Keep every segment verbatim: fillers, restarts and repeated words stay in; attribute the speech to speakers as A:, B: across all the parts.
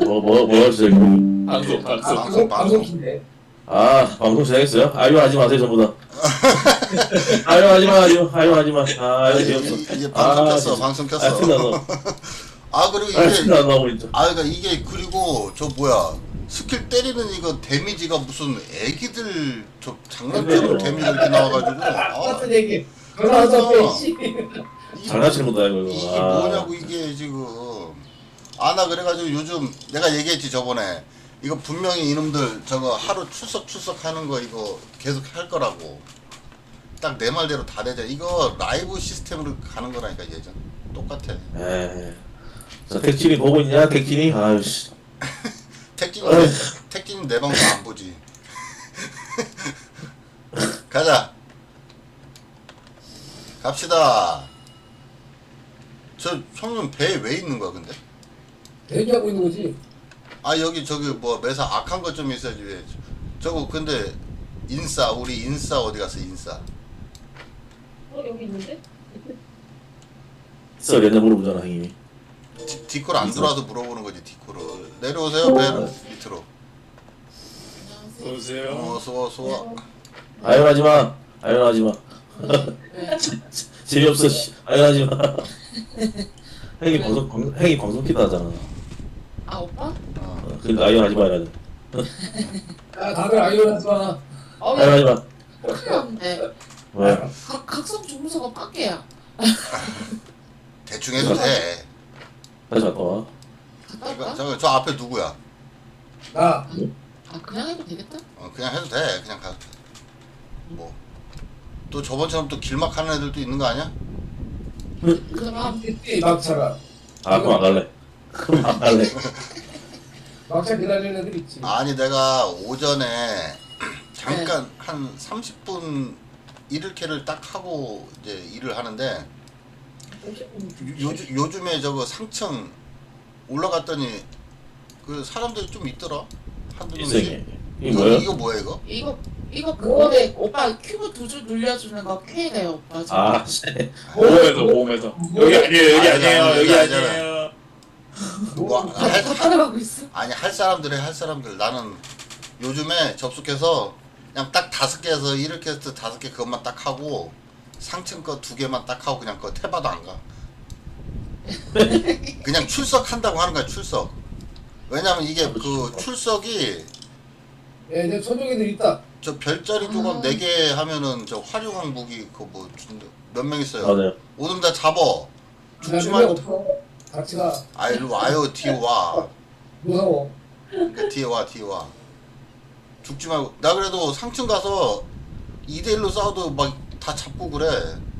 A: 뭐, 뭐, 뭐가 시작이고.
B: 방송
C: 아,
B: 방송.
C: 방송 방송인데.
A: 아, 방송 시작했어요? 아유, 하지 마세요, 전부 다. 아유, 하지 마, 아유, 아유, 하지 마. 아,
D: 이제,
A: 재미없어.
D: 이제 방송
A: 아,
D: 켰어,
A: 진짜.
D: 방송 켰어.
A: 아, 신나서.
D: 아 그리고
A: 아,
D: 이게
A: 신나서, 진짜.
D: 아 그러니까 이게 그리고 저 뭐야 스킬 때리는 이거 데미지가 무슨 애기들 저 장난처럼
A: 그래요.
D: 데미지 이렇게 나와가지고 아
C: 똑같은 얘기. 그러면서 빼지.
D: 이게
A: 장난치는 거다, 이거.
D: 이게
A: 아.
D: 뭐냐고 이게 지금 아 나 그래가지고 요즘 내가 얘기했지 저번에 이거 분명히 이놈들 저거 하루 출석 출석 하는 거 이거 계속 할 거라고 딱 내 말대로 다 되잖아. 이거 라이브 시스템으로 가는 거라니까 예전 똑같아.
A: 에이. 자, 택진이 보고 있냐, 택진이? 아유씨.
D: 택진이
A: 어휴.
D: 택진이 내 방송 안 보지. 가자. 갑시다. 저 형님 배에 왜 있는 거야 근데?
C: 대기하고 있는 거지.
D: 아 여기 저기 뭐 매사 악한 것 좀 있어야지 왜 저거 근데 인싸 우리 인싸 어디 갔어 인싸?
E: 어 여기 있는데?
A: 있어, 옛날 물어보잖아, 형님이.
D: 디, 디콜 안 들어와서 물어보는 거지 디콜을. 내려오세요 배 밑으로.
B: 보세요.
D: 어 소화 소화.
A: 아유, 하지 마. 아유, 하지 마. 재미없어, 씨. 아유, 하지 마. 형이 방송, 방, 형이 방송 키다 하잖아.
F: 아 오빠?
D: 어.
A: 어, 근데 아유, 하지 마, 이러지.
C: 야 다들 아이오라지 마.
F: 어
A: 아유, 하지
F: 야
A: 마.
F: 큰일 났네.
A: 왜?
F: 각 각성 주무서가 빡개야.
D: 대충 해도 돼.
A: 다시 갔다 와.
F: 갔다
D: 이거
F: 올까?
D: 저거 저 앞에 누구야?
C: 나
F: 아 그냥 해도 되겠다.
D: 어 그냥 해도 돼. 그냥 가도 돼. 뭐. 또 저번처럼 또 길막 하는 애들도 있는 거 아니야?
F: 그럼
C: 이때 막차가
A: 아, 그럼 안 갈래. 그럼 안 갈래.
C: 막차 기다리는 애들 있지.
D: 아니 내가 오전에 잠깐 한 삼십 분 일일캐를 딱 하고 이제 일을 하는데 요, 요즘 요즘에 저거 상층 올라갔더니 그 사람들이 좀 있더라. 한두
A: 있어,
D: 명씩.
A: 이게. 이게
D: 이거
A: 뭐야?
D: 이거 뭐야 이거?
F: 이거 이거 그거네. 오빠 큐브 두 줄 눌려주는 거 K래요 오빠. 지금.
A: 아, 씨.
B: 오메더 오메더. 여기 아니에요 여기
D: 아니,
B: 아니에요
D: 아니,
B: 여기
D: 아니,
B: 아니에요.
D: 뭐,
F: 다
D: 할,
F: 다 따라가고 있어.
D: 아니 할 사람들이 할 사람들. 나는 요즘에 접속해서 그냥 딱 다섯 개에서 일일캐스트 다섯 개 그것만 딱 하고 상층 거 두 개만 딱 하고 그냥 그거 태봐도 안 가. 그냥 출석한다고 하는 거야 출석. 왜냐면 이게 그 출석이
C: 예, 내 손정이들 있다.
D: 저 별자리 조각 네 개 하면은 저 활용한 무기 그거 뭐 몇 명 있어요.
A: 맞아요.
D: 오늘 다 잡어. 죽지
C: 나
D: 말고.
C: 없어. 같이 가.
D: 아 일로 와요 뒤에 와.
C: 무서워.
D: 그러니까 뒤에 와 뒤에 와. 죽지 말고. 나 그래도 상층 가서 이 대 일로 싸워도 막 다 잡고 그래.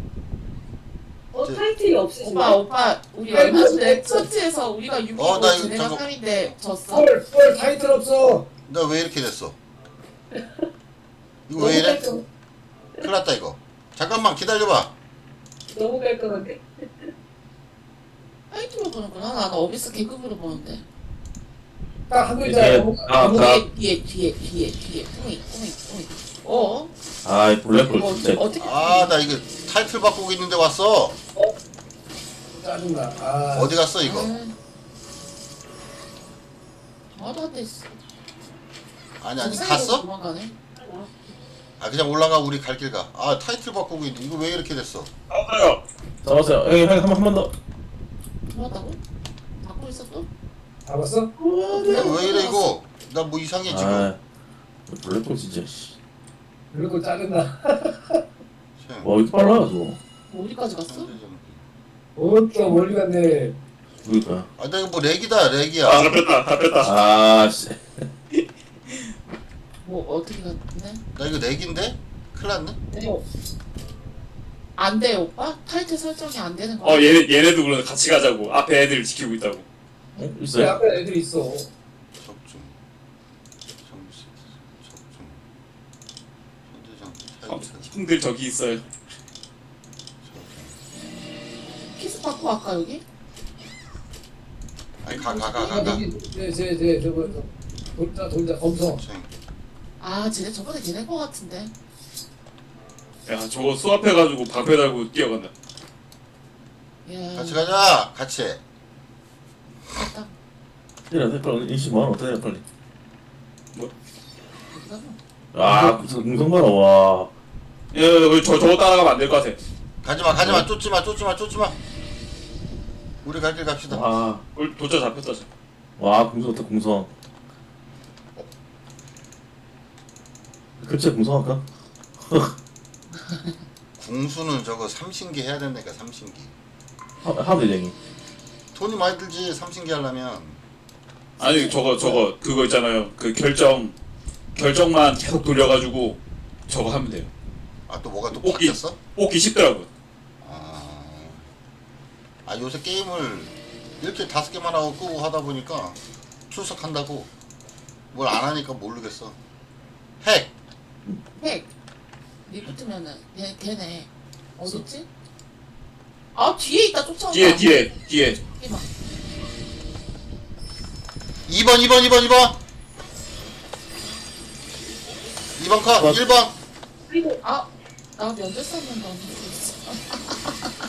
E: 어
D: 저-
E: 타이틀이 없으시네.
F: 오빠 오빠 우리 얼마 전에 처치에서 우리가 육이고
D: 어, 나 이거
F: 쟤네가
D: 잠깐-
F: 삼인데 졌어.
C: 헐, 헐 타이틀 없어.
D: 나 왜 이렇게 됐어? 이거 왜 이래?
E: 깔끔,
D: 큰일 났다 이거. 잠깐만 기다려봐.
E: 너무 깔끔한데?
F: 타이틀로 보는구나. 나는 어비스 계급으로 보는데.
C: 딱 한 글자야.
A: 이게, 아, 다,
F: 뒤에 뒤에 뒤에 뒤에 뒤에 뿌이 뿌이 뿌이. 어?
A: 아이, 블랙홀
F: 이거
A: 진짜.
F: 어떻게?
D: 아 나 이거 타이틀 바꾸고 있는데 왔어.
C: 짜증나. 아.
D: 어디 갔어 이거?
F: 아다 됐어.
D: 아니 아니
F: 정상으로
D: 갔어?
F: 도망가네.
D: 아 그냥 올라가 우리 갈 길 가. 아 타이틀 바꾸고 있는데 이거 왜 이렇게 됐어?
B: 아파요.
A: 잡았어요. 형님, 형님, 한 번, 한 번 더.
F: 들어왔다고? 받고 있었어?
C: 잡았어?
D: 이거 왜 이래 이거? 나 뭐 이상해 지금.
A: 아, 블랙홀 진짜, 씨.
C: 그럴 거 짜증나.
D: 참.
A: 와, 왜 이렇게 빨라, 저거.
F: 어디까지 갔어?
C: 어또 멀리 갔네.
A: 그러니까.
D: 아, 나 이거 뭐 렉이다, 렉이야.
B: 아 잡혔다 잡혔다.
A: 아, 씨.
F: 뭐 어떻게 갔네?
D: 나 이거 렉인데? 큰일 났네?
F: 어. 안 돼, 오빠? 타이틀 설정이 안 되는 거야.
B: 어 얘네 얘네도 그러네 같이 가자고. 앞에 애들 지키고 있다고.
A: 어?
C: 내
A: 있어요?
C: 앞에 애들 있어.
D: 적중. 정시. 적중. 현대장
B: 어,
D: 타이틀.
B: 형들 저기 있어요.
D: 적중.
F: 키스 받고 갈까 여기?
D: 아니, 가, 가, 가, 가, 가.
C: 제제제 저거 돌자 돌자 검성.
D: 참.
F: 아, 쟤네 저번에 걔네 거 같은데.
B: 야 저거 수압해가지고 방패 달고 뛰어간다.
F: 야,
D: 같이 가자, 같이.
F: 갔다.
A: 때려 돼 빨리 인식 많아 때려 빨리.
F: 괜찮아.
A: 아 공성 봐라 와.
B: 예, 예, 저 저거 따라가면 안 될 것 같아.
D: 가지마 가지마 쫓지마 쫓지마 쫓지마. 우리 갈 길 갑시다.
A: 와,
B: 우리 도저 잡혔다. 지금.
A: 와 공성 어때 공성. 급체 공성할까?
D: 궁수는 저거 삼신기 해야 된다니까 삼신기.
A: 하 하대쟁이.
D: 돈이 많이 들지 삼신기 하려면.
B: 아니 저거 저거 그거 있잖아요. 그 결정 결정만 계속 돌려가지고 저거 하면 돼요.
D: 아 또 뭐가 또
B: 뽑기.
D: 바뀌었어?
B: 뽑기 쉽더라고요.
D: 아, 아 요새 게임을 이렇게 다섯 개만 하고 끄고 하다 보니까 출석한다고 뭘 안 하니까 모르겠어. 핵!
F: 핵. 리부트면은 걔 걔네 어딨지? 아 뒤에 있다 쫓아온다.
B: 뒤에 뒤에 뒤에.
F: 이봐.
D: 이 번 이 번 이 번 이 번 이 번 컷
A: 컷.
D: 일 번
E: 그리고
F: 아, 나 면접 썼는데 언제 있어?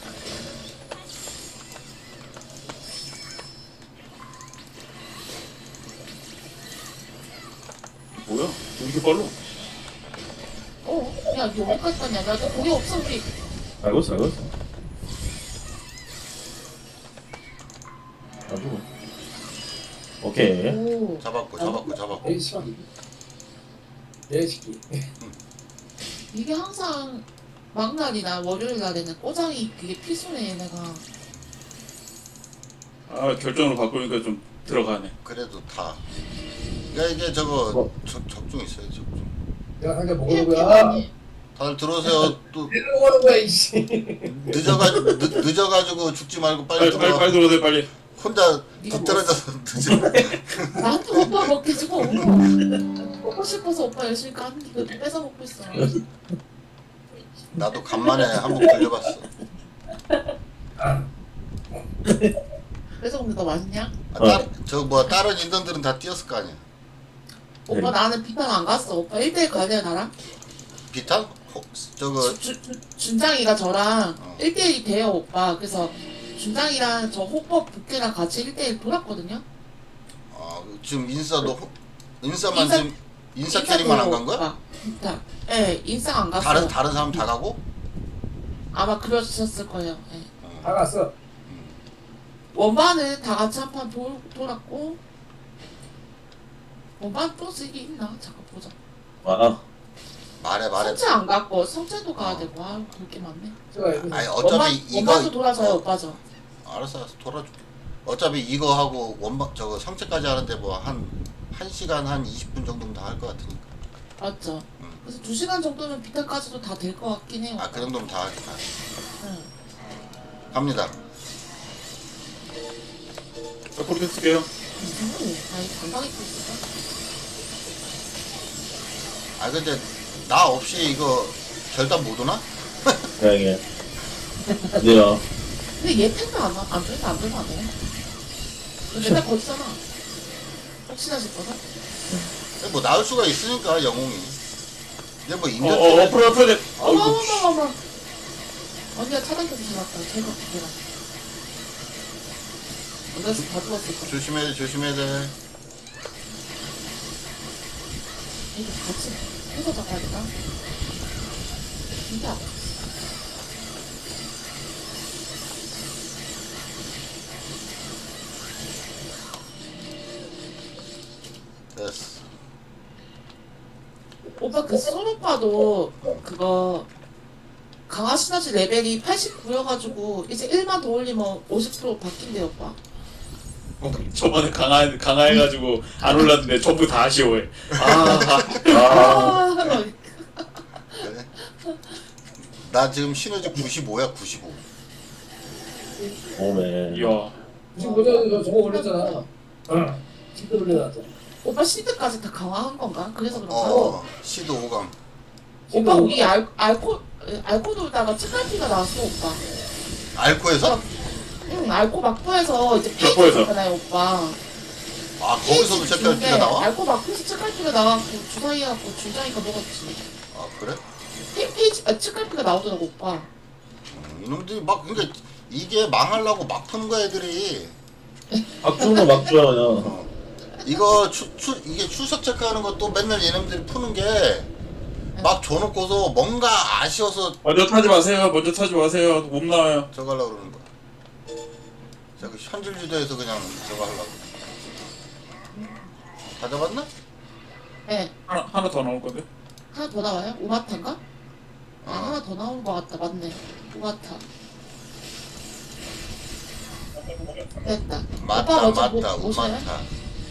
B: 뭐야? 왜 이렇게 빨라?
F: 어, 야 여기까지 갔냐? 나도 거기 없어 우리.
A: 알고 있어 알고 있어. 아이고. 오케이.
F: 오.
D: 잡았고 잡았고 잡았고.
C: 내 시기. 내 시기.
F: 이게 항상 막날이나 월요일 날에는 꼬장이 그게 필수네 내가.
B: 아 결정으로 바꾸니까 좀 들어가네.
D: 그래도 다. 그러니까 이게 저거
A: 뭐?
D: 적, 적중 있어요 적중.
C: 내가 한개
F: 해
C: 먹는 거야.
D: 다들 들어오세요. 또
C: 내가 먹는 거야 이씨.
D: 늦어가지고 늦, 늦어가지고 죽지 말고 빨리
B: 빨리 빨리
D: 들어와.
B: 빨리 들어오세요 빨리.
D: 혼자
F: 네가
D: 뒤떨어져서 늦어.
F: 나한테 오빠 먹게 주고 먹고 싶어서 오빠 열심히 까는 거 뺏어 먹고 있어.
D: 나도 간만에 한번 걸려봤어.
F: 뺏어 먹는 거 맛있냐?
D: 아, 따, 저 뭐야 다른 인턴들은 다 뛰었을 거 아니야.
F: 오빠
A: 네.
F: 나는 비탄 안 갔어. 오빠 일 대일 가야 돼 나랑?
D: 비탄? 호, 저거
F: 주, 주, 준장이가 저랑
D: 어.
F: 일 대일이 돼요 오빠. 그래서 준장이랑 저 호법 북계랑 같이 일 대일 돌았거든요.
D: 어, 지금 인싸도 호- 인싸만
F: 인싸-
D: 지금 인싸 캐릭만 안 간 거야?
F: 비탄. 예, 인싸 안 갔어.
D: 다른 다른 사람 다 가고?
F: 아마 그러셨을 거예요. 예.
D: 어.
C: 다 갔어.
F: 원반은 다 같이 한 판 돌았고 원반 또 쓰기 있나? 잠깐 보자.
A: 아,
D: 말해 말해.
F: 성체 안 갔고 성체도 가야
D: 어.
F: 되고 아유 볼게 많네.
C: 제가 이거
D: 아니
F: 원반,
D: 어차피 이거
F: 원반도 돌아서요
D: 어,
F: 오빠죠.
D: 알았어 알았어 돌아줄게. 어차피 이거 하고 원반 저거 성체까지 하는데 뭐 한 한 시간 한 이십 분 정도면 다 할 것 같으니까.
F: 맞죠?
D: 음.
F: 그래서 두 시간 정도면 비타까지도 다 될 것 같긴 해요.
D: 아 그 정도면 다 할- 다
F: 응.
D: 갑니다.
B: 자, 그렇게 쓸게요.
F: 음, 아니 감당 입고 있을까?
D: 아 근데 나 없이 이거 결단 못 오나?
A: 다행이야. 어디야?
F: 근데 얘 팬도 안, 와- 안 들면 안 들면 안 돼. 너 맨날 거기잖아. 혹시나 싶어서?
D: 뭐 나올 수가 있으니까 영웅이. 근데 뭐
B: 어,
D: 인간
B: 어, 어,
D: 때문에
B: 풀어, 풀어, 돼.
F: 어머
B: 어이구.
F: 어머 어머 어머. 언니가 차단켜서 잡았다. 제가 그게라. 언니가 다 죽었을 거야.
D: 조심해야 돼 조심해야 돼.
F: 이거 같이 해서 잡아야 되나? 진짜.
D: 됐어.
F: 오빠 그 솔오빠도 그거 강화 시너지 레벨이 팔십구여가지고 이제 일만 더 올리면 오십 퍼센트 바뀐대요 오빠.
B: 어, 저번에 강화 강화해가지고 안 올랐는데 전부 다 아쉬워해. 아,
A: 아,
F: 아,
D: 그래? 나 지금 시너지 구십오야 구십오.
A: 오메.
B: 이야.
C: 지금 보자 저거 올렸잖아. 어. 지금 올려놨잖아.
F: 오빠 시드까지 다 강화한 건가? 그래서 그런가?
D: 어 시드 오감.
F: 오빠 우리 알, 알코 알코 돌다가 찌갈피가 나왔어 오빠.
D: 알코에서?
F: 응 알코 막부에서 이제 페이지
B: 막부에서.
F: 있잖아요 오빠.
D: 아 거기서도 챔피언티가 나와?
F: 알코 막부에서 찌갈피가 나왔고 주사위하고 주장이가 먹었지.
D: 아 그래?
F: 페- 페이지 아, 찌갈피가 나오더라고 오빠.
D: 음, 이놈들이 막 그러니까 이게 망하려고 막 푸는 거야 애들이.
A: 막 주는 거막 줘요 그냥.
D: 어. 이거 추, 추, 이게 출석 체크하는 것도 맨날 얘네들이 푸는 게 막 줘놓고서 뭔가 아쉬워서
B: 먼저 타지 마세요. 먼저 타지 마세요. 못 나와요.
D: 저거 하려고 그러는 거야. 저거 현질 유도해서 그냥 저거 하려고. 다 잡았나?
F: 네.
B: 하나 하나 더 나올 건데.
F: 하나 더 나와요? 우마타인가? 아,
D: 어.
F: 하나 더 나온 것 같다. 맞네. 우마타. 됐다.
D: 맞다
F: 오빠 먼저
D: 맞다
F: 모- 모셔요?
D: 우마타.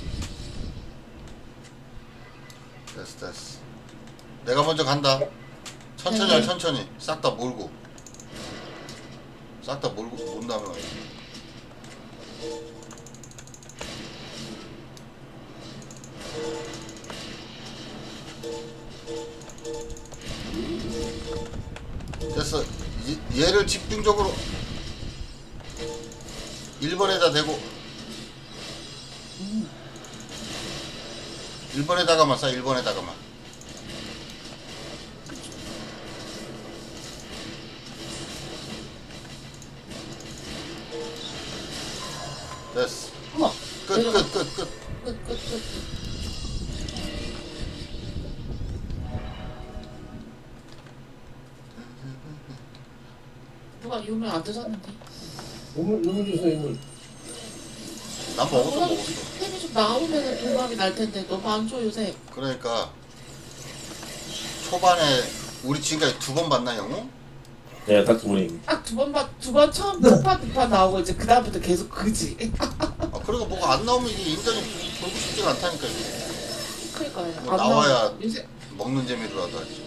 D: 됐어 됐어. 내가 먼저 간다. 천천히 해
F: 네.
D: 천천히. 싹 다 몰고. 싹 다 몰고 몬 다음에 와요. 됐어. 이- 얘를 집중적으로 일 번에다 대고 일 번에다가만 쏴. 일 번에다가만. 됐어.
F: 어머.
D: 끝 끝 끝 끝.
F: 끝, 끝, 끝. 끝. 누가 유물 안 드셨는데?
C: 우물 우물 주세요 우물.
D: 난 먹었어 먹었어.
F: 템이 좀 나오면 도박이 날 텐데 너무 안 줘 요새.
D: 그러니까 초반에 우리 지금까지 두 번 봤나 영웅?
A: 네, 딱 두 분이.
F: 딱 두 번 봐, 두 번 처음 첫판 두판 나오고 이제 그 다음부터 계속 그지.
D: 아 그리고 뭐가 안 나오면 이게 인간이 돌고 싶지가 않다니까 이게.
F: 그러니까요.
D: 뭐
F: 안
D: 나와야
F: 나와요. 요새
D: 먹는 재미로라도 하지.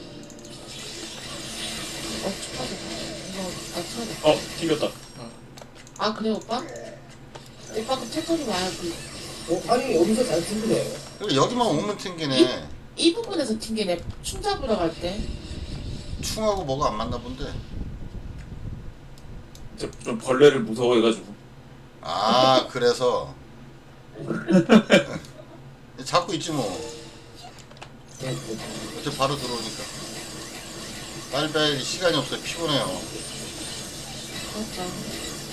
F: 어 축하드려. 이거 나 쳐야 돼.
B: 어 튕겼다.
F: 아 그래 오빠? 오빠 그 채터리 와야 그.
C: 어, 아니 여기서 잘 튕기네.
D: 그래 여기만 오면 튕기네.
F: 이 부분에서 튕기네. 충 잡으러 갈 때.
D: 충하고 뭐가 안 맞나 본데.
B: 좀, 좀 벌레를 무서워해가지고.
D: 아 그래서 잡고 있지 뭐. 어차피 바로 들어오니까. 빨리 빨리 시간이 없어요. 피곤해요.
F: 그렇죠.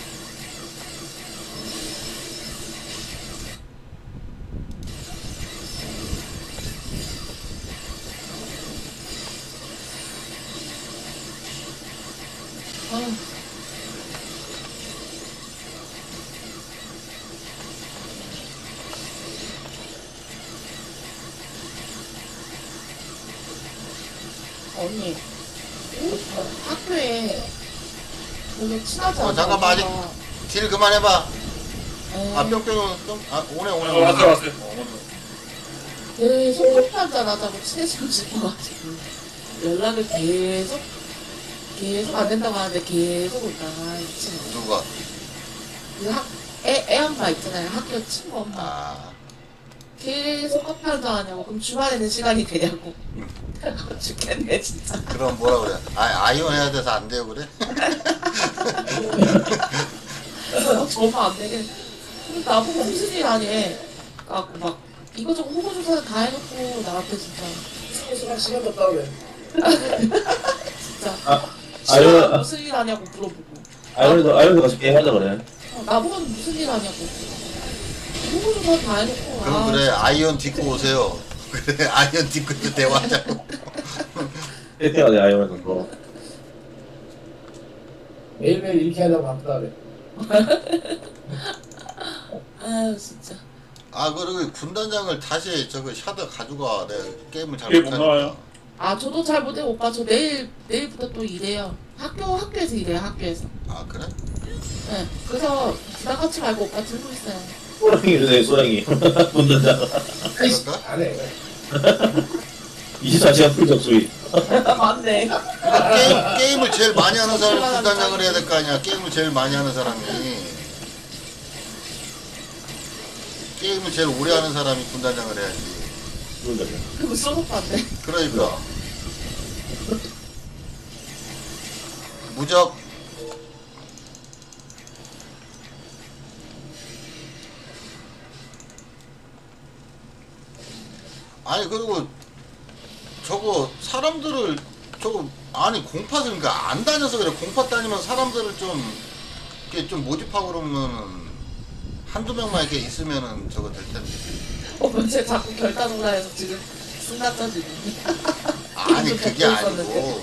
F: 아유. 언니, 학교에 별로 친하지
D: 어,
F: 않은
D: 잠깐만, 아직-
F: 엄마가,
D: 딜 그만해봐.
F: 에,
D: 아 뿅뿅 뿅. 아 오네 오네
B: 어,
D: 오네.
B: 왔어요 왔어요.
F: 계속 커피 한잔 하자고 친해지고 싶어가지고 연락을 계속 계속 안 된다고 하는데 계속 올다가 이 친구
D: 누가?
F: 그 학, 애, 애 엄마 있잖아요. 학교 친구 엄마
D: 아
F: 계속 커피 한잔 하냐고. 그럼 주말에는 시간이 되냐고. 죽겠네 진짜.
D: 그럼 뭐라 그래? 아 아이온 해야 돼서 안 돼요 그래?
F: 저만 안 되게. 그럼 나보고 무슨 일 하니? 갖고 막 이거저거 호구조사 다 해놓고 나한테 진짜
C: 시간 시간 없다 그래.
F: 진짜
A: 아,
F: 시간
A: 아이언,
F: 무슨 일 하냐고 물어보고.
A: 아이언도, 아이언도 같이 게임하자 그래.
F: 어, 나보고는 무슨 일 하냐고. 호구조사 다 해놓고.
D: 그럼
F: 아,
D: 그래 아이온 딛고 오세요. 그래 아이온 딛고 이제 대화하자고.
A: 세팅하자, 아이언에서. 뭐.
C: 매일매일 이렇게 하려고 바쁘다 그래.
F: 아유 진짜.
D: 아 그리고 군단장을 다시 저거 샤드 가져가. 내가 게임을 잘
B: 게임 못
D: 못하니까.
B: 나와요.
F: 아 저도 잘 못해 오빠. 저 내일 내일부터 또 일해요. 학교 학교에서 일해요. 학교에서.
D: 아 그래?
F: 네. 그래서 부담 갖지 말고 오빠 들고 있어요.
A: 소랑이 주세요, 소랑이. 분단장.
D: 그럴까?
C: 안 해.
A: 이십사 시간 풀 접수이.
F: 맞네.
D: 게임, 게임을 제일 많이 하는 사람이 군단장을 해야 될 거 아니야. 게임을 제일 많이 하는 사람이. 게임을 제일 오래 하는 사람이 군단장을 해야지.
A: 분단장.
F: 그거 써놓고안돼.
D: 그러니까. 무적. 아니 그리고 저거 사람들을 저거 아니 공팟을 그러니까 안 다녀서 그래. 공팟 다니면 사람들을 좀 이렇게 좀 모집하고 그러면 한두 명만 이렇게 있으면은 저거 될 텐데.
F: 어, 근데 자꾸 결단 오라 해서 지금 순간 터지네.
D: 아니
F: 좀
D: 그게
F: 덮고
D: 아니고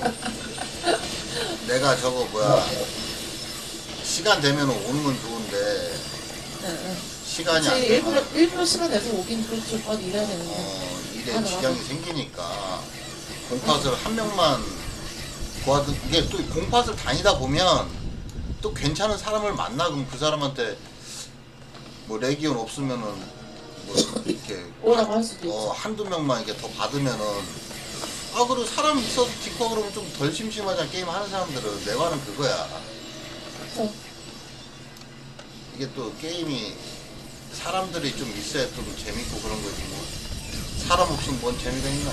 D: 내가 저거 뭐야 시간 되면 오는 건 좋은데
F: 응, 응.
D: 시간이 안
F: 그치, 일부러,
D: 되면
F: 일부러 시간 내서 오긴 그렇죠. 빨리 일해야 되는데.
D: 어, 일에
F: 맞아,
D: 지장이 생기니까 공팟을 한 명만 구하든 이게 또 공팟을 다니다 보면 또 괜찮은 사람을 만나 그럼 그 사람한테 뭐 레기온 없으면은 뭐 이렇게
F: 오라고 할 수도
D: 어,
F: 있지.
D: 한두 명만 이렇게 더 받으면은 아 그리고 사람 있어서 디코 그러면 좀 덜 심심하잖아. 게임 하는 사람들은 내 말은 그거야.
F: 그래서
D: 이게 또 게임이 사람들이 좀 있어야 좀 재밌고 그런 거지 뭐 사람 없으면 뭔 재미가 있나.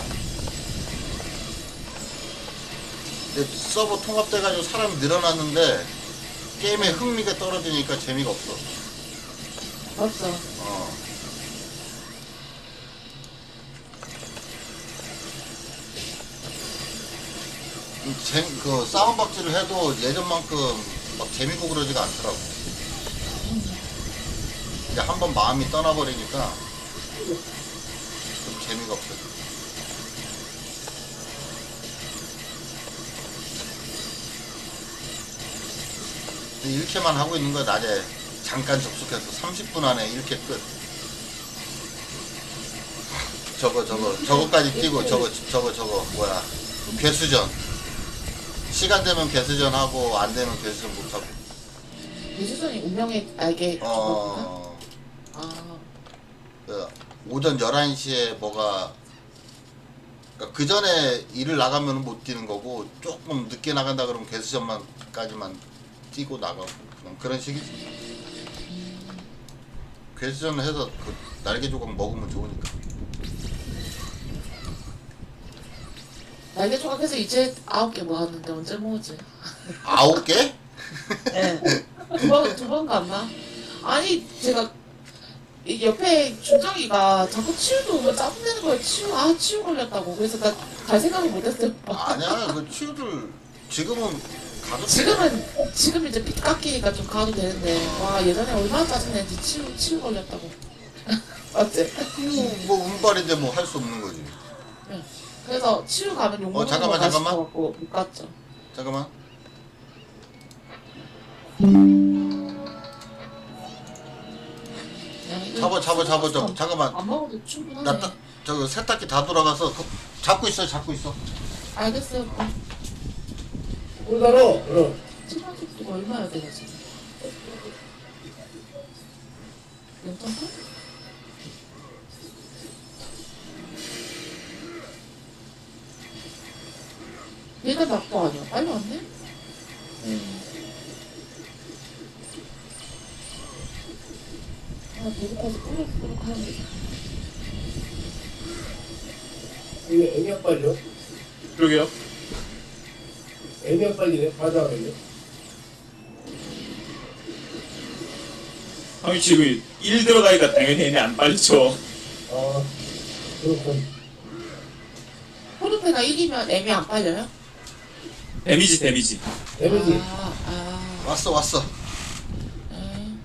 D: 근데 서버 통합돼가지고 사람이 늘어났는데 게임의 흥미가 떨어지니까 재미가 없어.
F: 맞어.
D: 어. 음, 재, 그 싸움박질을 해도 예전만큼 막 재밌고 그러지가 않더라고. 이제 한번 마음이 떠나버리니까 좀 재미가 없어. 이렇게만 하고 있는 거야. 낮에 잠깐 접속해서 삼십 분 안에 이렇게 끝. 저거 저거 저거까지 뛰고 저거 저거 저거 뭐야 괴수전. 시간 되면 괴수전 하고 안 되면 괴수전 못 하고.
F: 유수선이 운명의 알게 죽었구나.
D: 어.
F: 아,
D: 그 오전 열한 시에 뭐가 그러니까 그 전에 일을 나가면 못 뛰는 거고 조금 늦게 나간다 그러면 괴수전만까지만 뛰고 나가고 그냥 그런 식이지. 괴수전 해서 그 날개 조각 먹으면 좋으니까.
F: 날개 조각해서 이제 아홉 개 모았는데 언제 모으지?
D: 아홉 개?
F: 네. 두 번, 두 번 갔나? 아니, 제가, 이 옆에 준정이가 자꾸 치유도 오면 짜증내는 거예요. 치유, 아, 치유 걸렸다고. 그래서 나 갈 생각을 못 했어요.
D: 아니야 그 치유를 지금은 가도 돼.
F: 지금은, 지금 이제 빚 깎이니까 좀 가도 되는데, 와, 예전에 얼마나 짜증내는지 치유, 치유 걸렸다고. 맞지?
D: 뭐, 뭐 운빨인데 뭐 할 수 없는 거지.
F: 그래서 치유 가면 욕
D: 어,
F: 먹는
D: 잠깐만,
F: 거
D: 잠깐만.
F: 맛있어갖고 못 갔죠.
D: 잠깐만.
F: 그냥
D: 잡아 잡아 잡아 잡아 잠깐만.
F: 안 먹어도 충분하네.
D: 나 따, 저거 세탁기 다 돌아가서 그, 잡고 있어 잡고 있어.
F: 알겠어요.
C: 오다로 어.
F: 치마집도 얼마야 되나 지금? 연탄 팔? 얘가 낙도 아니야. 빨리 왔네? 아, 배고파서 꾸룩꾸룩 하는데.
C: 이게 애미약 빨려?
B: 그러게요.
C: 애미약 빨리네. 과자 빨려.
B: 형이 지금 일 들어가니까 당연히 얘네 안 빨리죠.
C: 아 그렇군.
F: 호르페가 이기면 애미 안 빨려요?
B: 데미지 데미지.
C: 데미지.
F: 아, 아.
D: 왔어 왔어.
F: 에.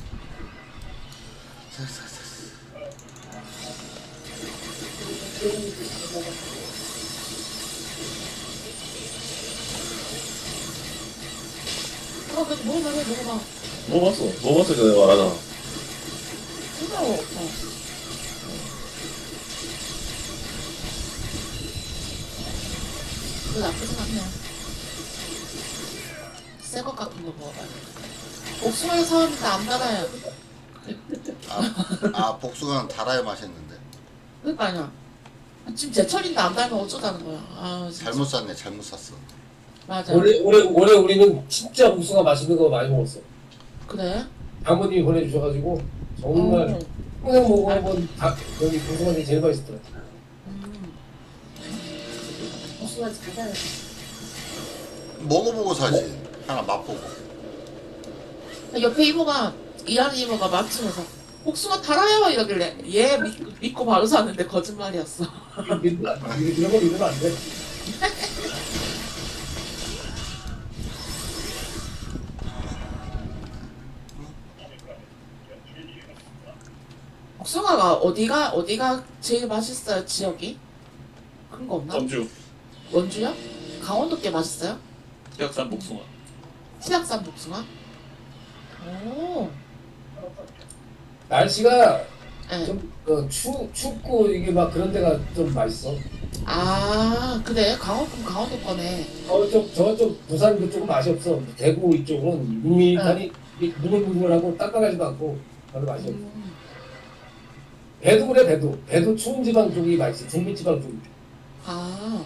F: 어, 그래도 먹어봐, 해, 먹어봐.
A: 뭐 봤어? 뭐 봤어? 내가 말하잖아.
F: 힘들어. 어. 그거 나쁘진 않네. 새것 같은 거 먹어봐요. 옥수수에 사왔는데 안 달아요.
D: 아, 아 복숭아는 달아야 맛있는데.
F: 그러니까요. 지금 제철인데 안 달면 어쩌자는 거야. 아, 진짜.
D: 잘못 샀네 잘못 샀어.
F: 맞아.
C: 올해 올해 올해 우리는 진짜 복숭아 맛있는 거 많이 먹었어.
F: 그래?
C: 장모님이 보내주셔가지고 정말
F: 어.
C: 평생 먹어본 다 여기 복숭아들이 제일 맛있더라.
F: 음. 옥수수가 잘 달아.
D: 먹어보고 사지. 하나 맛보고.
F: 옆에 이모가 일하는 이모가 마침에서 복숭아 달아요 이러길래 얘 믿, 믿고 바로 샀는데 거짓말이었어.
C: 믿으면 안 돼. 이런 거 믿으면 안 돼.
F: 어디가 어디가 제일 맛있어요 지역이? 그런 거 없나?
B: 점주
F: 원주요? 강원도 게 맛있어요?
B: 약산 복숭아.
F: 치악산 복숭아? 오.
C: 날씨가
F: 네.
C: 좀 어, 추, 춥고 이게 막 그런 데가 좀 맛있어.
F: 아 그래 강원도 강원도 거네.
C: 저쪽 저쪽 부산 그쪽은 맛이 없어. 대구 이쪽은 밋밋하니 무글무글하고 딱딱하지도 않고 별로 맛이 없어.
F: 음.
C: 배도 그래 배도. 배도 추운 지방 쪽이 맛있어. 중부 지방 쪽.
F: 아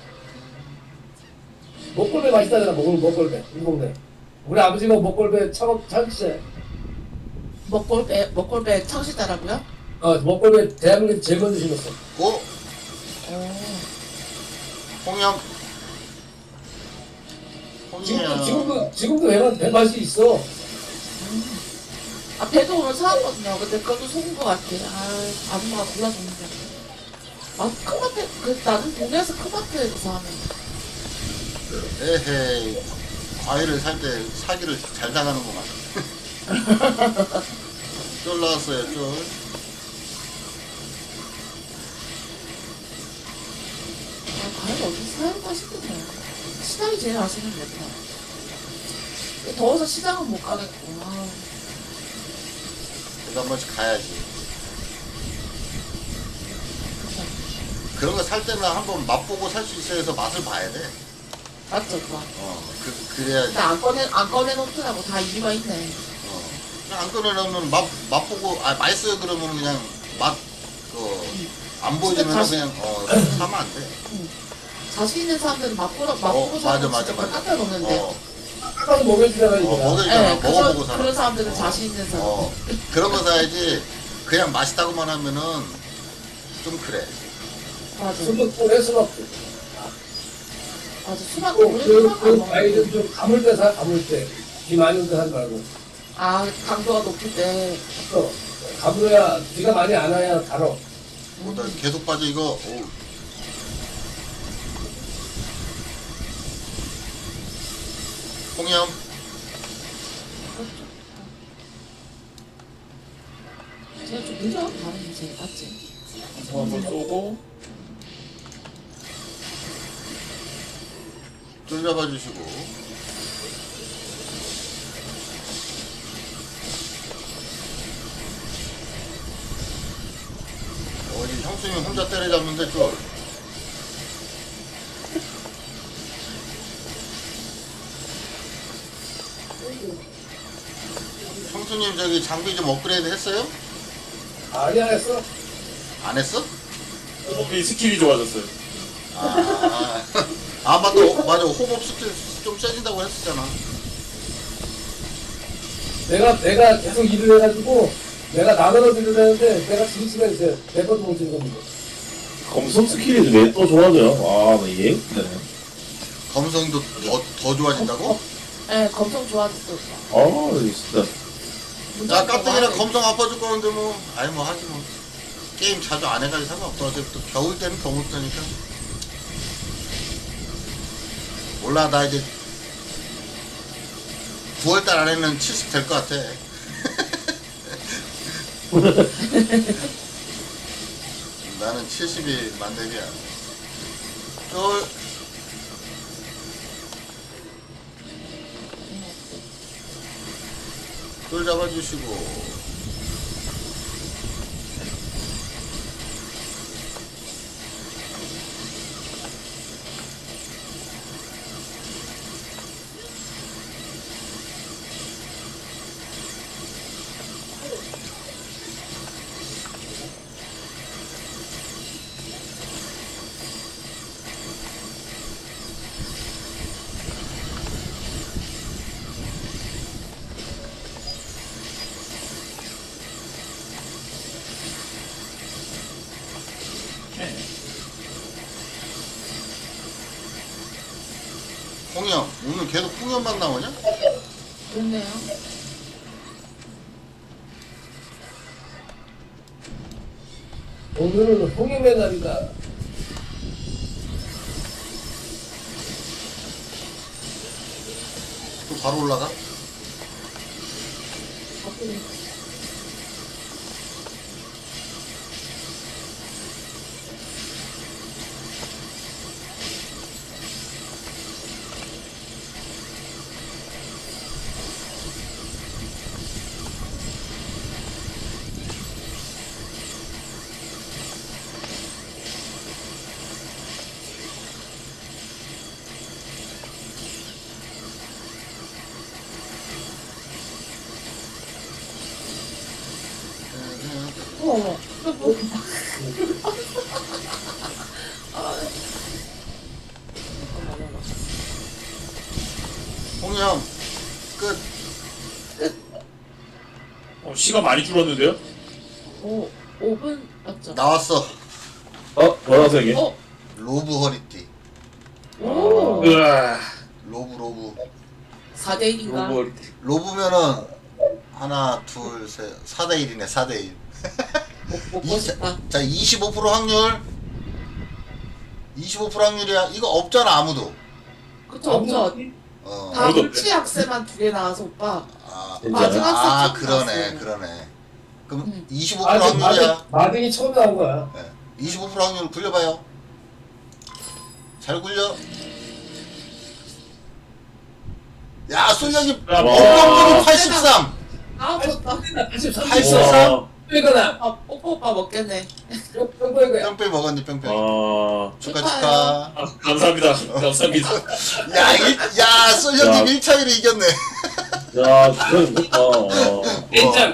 C: 먹골배 맛있다잖아. 먹골 먹골배 이 동네. 우리 아버지가 먹골배 창업 창시자.
F: 먹골배 먹골배 창시다라고요?
C: 어 먹골배 대한민국 제일 먼저 심었어.
D: 고
F: 오.
D: 홍영.
C: 지금도
D: 홍영.
C: 지금도 지금도 배만 배 맛이 있어.
F: 아 배도 오늘 사왔거든요. 근데 그것도 속은 것 같아. 아 아줌마가 골라줬는데. 아 큰마트 그 나는 동네에서 큰마트에서 사는.
D: 에헤이. 과일을 살 때 사기를 잘 당하는구만. 쫄 나왔어요, 쫄.
F: 아 과일 어디서 사야 맛있겠네. 시장이 제일 맛있는 것 같아. 더워서 시장은 못 가겠고. 아.
D: 그래도 한 번씩 가야지. 그런 거 살 때는 한번 맛보고 살 수 있어야 해서 맛을 봐야 돼.
F: 맞죠, 그거.
D: 어, 그, 그래야지.
F: 근데 안 꺼내 안 꺼내 놓더라고 다 이유가 있네.
D: 어. 그냥 안 꺼내놓으면 맛, 맛보고, 아, 맛있어요 그러면 그냥 맛, 그, 안 보여주면
F: 자신-
D: 그냥, 어, 사면 안 돼.
F: 자신 있는 사람들은 맛보러 맛보고
D: 어,
F: 사는
D: 맞아,
F: 진짜
D: 맞아, 맞아.
F: 깎아 놓는데.
D: 어,
C: 딱 먹여주잖아
D: 어,
C: 이거.
D: 먹여주잖아.
F: 네,
D: 먹어보고
F: 그런,
D: 사는
F: 그런 사람들은
D: 어.
F: 자신 있는 사람.
D: 어, 그런 거 사야지. 그냥 맛있다고만 하면은 좀 그래.
F: 맞아.
C: 수박골에 수박골.
F: 맞아. 수박
C: 그,
F: 우리
C: 그,
F: 수박 안
C: 그
F: 먹는
C: 과일은 좀 가물 때 사, 가물 때. 비 많이 올 때 사지 말고.
F: 아 강도가 높을 때.
C: 어, 가물어야, 비가 많이 안 와야 달어.
D: 뭐, 나 계속 빠져, 이거. 어우. 홍염.
F: 제가 좀 느려 다른 제 맞지?
B: 한번 쏘고
D: 쫄 잡아주시고. 어디 형수님이 혼자 때려잡는데 쫄. 형수님 저기 장비 좀 업그레이드 했어요?
C: 아니, 안 했어.
D: 안 했어?
B: 호흡이 스킬이 좋아졌어요.
D: 아, 아 맞다. 어, 맞아. 호흡 스킬 좀 세진다고 했었잖아.
C: 내가, 내가 계속 일을 해가지고, 내가 나눠서 일을 하는데, 내가 지을 수가 있어요. 내 것도 못 지는 겁니다.
A: 검성 스킬이 왜 또 좋아져요? 아, 나 이해 못되네.
D: 검성도 더, 더 좋아진다고?
F: 네, 검성 좋아졌어.
A: 아, 진짜.
D: 야, 깍두기랑 검성 아파줄 거는데 뭐, 아니 뭐 하지 뭐. 게임 자주 안 해가지고 상관없어. 어차피 또 겨울 때는 더 못하니까. 몰라, 나 이제 구월달 안에는 칠십 될 것 같아. 나는 칠십이 만렙이야. 쫄. 쫄 잡아주시고. 홍영, 오늘 계속 홍영만 나오냐?
F: 그렇네요.
C: 오늘은 홍임의 날이다.
D: 또 바로 올라가? 홍영 끝.
B: 어, 시간 많이 줄었는데요?
F: 오, 오 분 맞죠?
D: 나왔어.
A: 어? 뭐라서 이게?
F: 어?
D: 로브 허리띠.
F: 오!
B: 으아.
D: 로브 로브.
F: 사 대 일인가?
B: 로봇.
D: 로브면은 하나 둘 셋 사 대 일이네 사 대 일.
F: 먹고 싶다.
D: 자 이십오 퍼센트 확률. 이십오 퍼센트 확률이야. 이거 없잖아 아무도.
F: 그쵸, 없죠?
D: 어.
F: 다
B: 아무도
F: 물치 학생만 두 개 나와서 오빠.
D: 아,
A: 진짜요?
F: 마지막
D: 아
F: 삭제
D: 그러네
F: 나왔어요.
D: 그러네. 그럼
F: 음.
D: 이십오
C: 아,
D: 퍼센트 확률이야.
C: 마등, 마등이 처음 나온 거야.
D: 네. 이십오 퍼센트 확률 굴려봐요. 잘 굴려. 야 솔령님
B: 와.
D: 엉덩이 팔십삼.
F: 아, 좋다.
C: 팔십삼.
D: 팔십삼.
A: 와.
C: 이거나.
F: 아, 뽀뽀 오빠 먹겠네.
C: 뿅뿅 거야.
D: 뿅뿅 먹었니 뿅뿅.
A: 와.
D: 축하
F: 축하해요.
D: 축하.
B: 아, 감사합니다. 감사합니다.
D: 야, 일, 야 솔령님
A: 야.
D: 일 차이로 이겼네.
A: 야, 그건 좋다. 어.
C: 괜찮.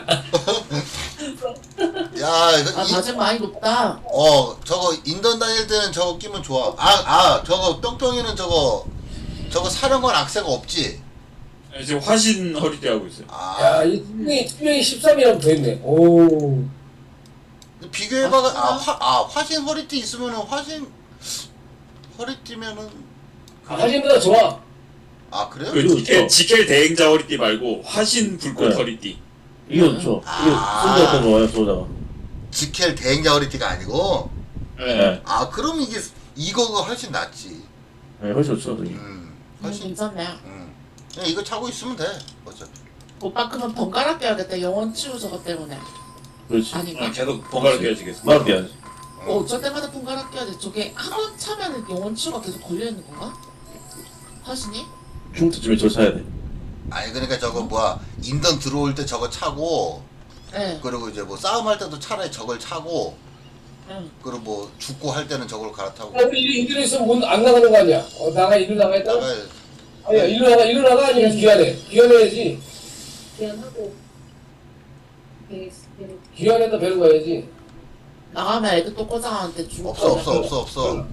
D: 야 이거
F: 아,
D: 이,
F: 다짐 많이 높다.
D: 어 저거 인던 다닐 때는 저거 끼면 좋아. 아 아 저거 뿅뿅이는 저거 저거 사령관 악세가 없지.
B: 네, 지금 화신 허리띠 하고 있어요.
D: 아
C: 야, 이 투명이 투명이 십삼이라고 돼 있네. 오.
D: 비교해봐.
F: 아,
D: 아, 화, 아 화신 허리띠 있으면은 화신 허리띠면은
C: 아, 사진보다 좋아.
D: 아 그래요?
B: 그
A: 그리고
B: 지켈,
A: 또-
B: 지켈 대행자 허리띠 말고 화신 불꽃
A: 네.
B: 허리띠.
A: 이게 좋죠. 이게
D: 아.
A: 순대였던 거예요, 소자가.
D: 지켈 대행자 허리띠가 아니고.
B: 네.
A: 네.
D: 아 그럼 이게 이거가 훨씬 낫지.
A: 네, 훨씬 좋죠, 저기.
D: 음
F: 음,
D: 훨씬.
F: 괜찮네.
D: 음 그냥 이거 차고 있으면 돼. 어차피.
F: 오빠 그러면 번갈아 껴야겠다. 영원 치유 저것 때문에.
A: 그렇지.
F: 아닌가?
B: 아, 계속 번갈아 껴야지겠어.
A: 말돼야지
F: 어, 어쩔 때마다 번갈아 껴야 돼. 저게 한 번 차면은 영원 치유가 계속 걸려있는 건가? 화신이?
A: 중트쯤에 저 차야 돼.
D: 아니 그러니까 저거 뭐야 인던 들어올 때 저거 차고
F: 네.
D: 그리고 이제 뭐 싸움할 때도 차라리 저걸 차고
F: 응.
D: 그리고 뭐 죽고 할 때는 저걸 갈아타고
C: 야, 우리 일로 일로 있으면 문안 나가는 거 아니야? 어, 나가 일로 나가야 돼.
D: 나가야
C: 아니야, 일로 나가 일로 나가 아니면 귀환해. 귀환해야지.
E: 미안하고. 네, 네.
C: 귀환했다 배로 가야지.
F: 나가면 애들 또 꼬장한테 죽을
D: 없어
F: 거야.
D: 없어 없어 없어.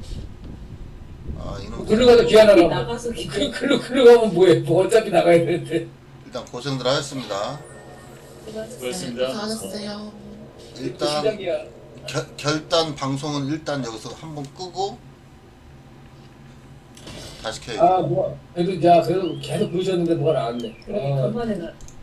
D: 아 이놈
C: 글로 가서 귀환하라고.
E: 나가서
C: 그 글로 글로 가면 뭐해? 뭐 어차피 나가야 되는데.
D: 일단 고생들 하셨습니다.
B: 그렇습니다.
F: 수고하셨어요.
D: 일단
C: 시작이야.
D: 결, 결단 방송은 일단 여기서 한번 끄고 다시 켜야 돼.
C: 아, 뭐 그래도 야 그래도 계속 보셨는데 뭐가 나왔네.
E: 그러게
C: 아.
E: 간만에 나